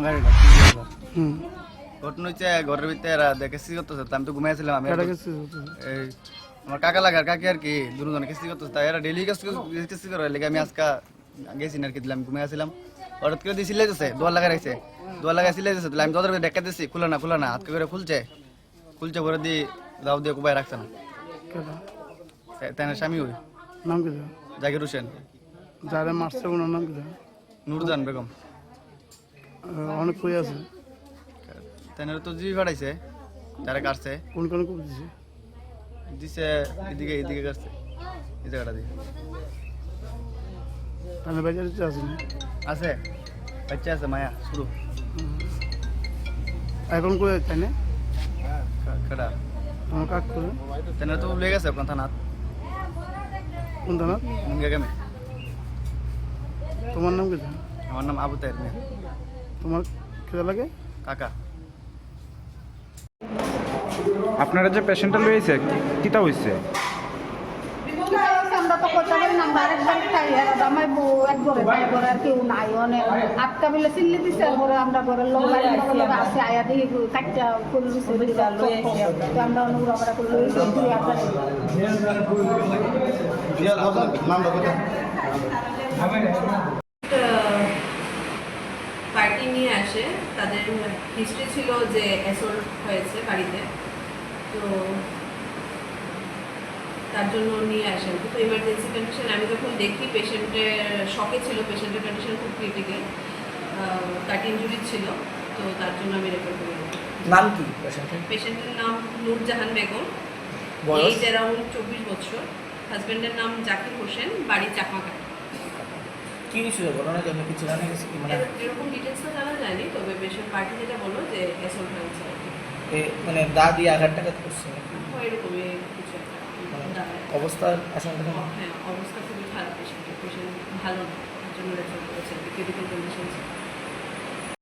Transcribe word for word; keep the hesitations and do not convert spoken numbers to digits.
গাড়িটা হুম ঘটনা হচ্ছে ঘরের ভিতরে এরা দেখে কিস্তি করতেছে আমি তো ঘুমাইছিলাম আমি কেটা কিস্তি করতেছে? এই আমার কাকা লাগার কাকি আর কি দুজনে কিস্তি করতেছে তাই এরা ডেইলি কিস্তি কিস্তি করে লেগে আমি আজকে গেছি না আর কি দিলাম ঘুমাইছিলাম হঠাৎ করে দিয়ে সিলাই দিচ্ছে দোয়ার লাগা রাখছে দোয়ার লাগা সিলাই দিচ্ছে তাহলে আমি তোদের দেখা দিচ্ছি খুলে না খুলে না হাত করে খুলছে খুলছে করে দিয়ে দাও দিয়ে কুবাই রাখছে না কেটা তাই না স্বামী ওই নাম কি দেয়? জাকির হোসেন যারা মারছে ওনার নাম কি দেয়? নুরজান বেগম আহ, অনেক কই আছে তাই না তো জিবি ফাটাইছে যারা কাটছে কোন কোন কই দিছে? দিছে এদিকে এদিকে কাটছে এই জায়গাটা দিয়ে তাহলে বাজারে তো আছে না? আছে বাচ্চা আছে মায়া শুরু এখন কই তাই না কেডা আমার কাক করে তাই না তো লেগে গেছে আপনার থানাত কোন থানা? মুঙ্গিয়া গ্রামে তোমার নাম কি দেয়? আমার নাম আবু তাহের মিয়া তোমার কেটা লাগে? কাকা আপনারা যে পেশেন্টটা লইছে কিতা হইছে? আমরা তো কথা বলি না, আমরা আরেকবার খাই আর আমার বউ এক ঘরে ভাই ঘরে আর কেউ নাই অনেক আটটা বেলা চিল্লি দিছে পরে আমরা ঘরের লোক বাড়ি লোক আসে আয়া দিয়ে কাটটা ফুল দিছে তো আমরা অনুগ্রহ আমরা করে লই যাই দুই হাজার পার্টি নিয়ে আসে তাদের হিস্ট্রি ছিল যে অ্যাসল্ট হয়েছে বাড়িতে তো তার জন্য নিয়ে আসেন তো ইমার্জেন্সি কন্ডিশন আমি যখন দেখি পেশেন্টের শকে ছিল পেশেন্টের কন্ডিশন খুব ক্রিটিক্যাল কাট ইঞ্জুরি ছিল তো তার জন্য আমি রেফার করি নাম কি পেশেন্টের? পেশেন্টের নাম নূরজাহান বেগম বয়স? এজ অ্যারাউন্ড চব্বিশ বছর হাজব্যান্ডের নাম জাকির হোসেন বাড়ি চাকমাঘাট কি হয়েছিল ঘটনা জন্য কিছু জানা গেছে কি মানে এরকম ডিটেলসটা জানা যায়নি তবে পেশেন্ট পার্টি যেটা বললো যে অ্যাসল্ট হয়েছে আর কি এ মানে দা দিয়ে আঘাতটা করছে নাকি? হয় এরকমই কিছু একটা মানে দাঁড়ায়। অবস্থার আশঙ্কা কেমন? হ্যাঁ অবস্থা খুবই খারাপ পেশেন্টের পেশেন্ট ভালো না তার জন্য রেফার করেছে ক্রিটিক্যাল কন্ডিশন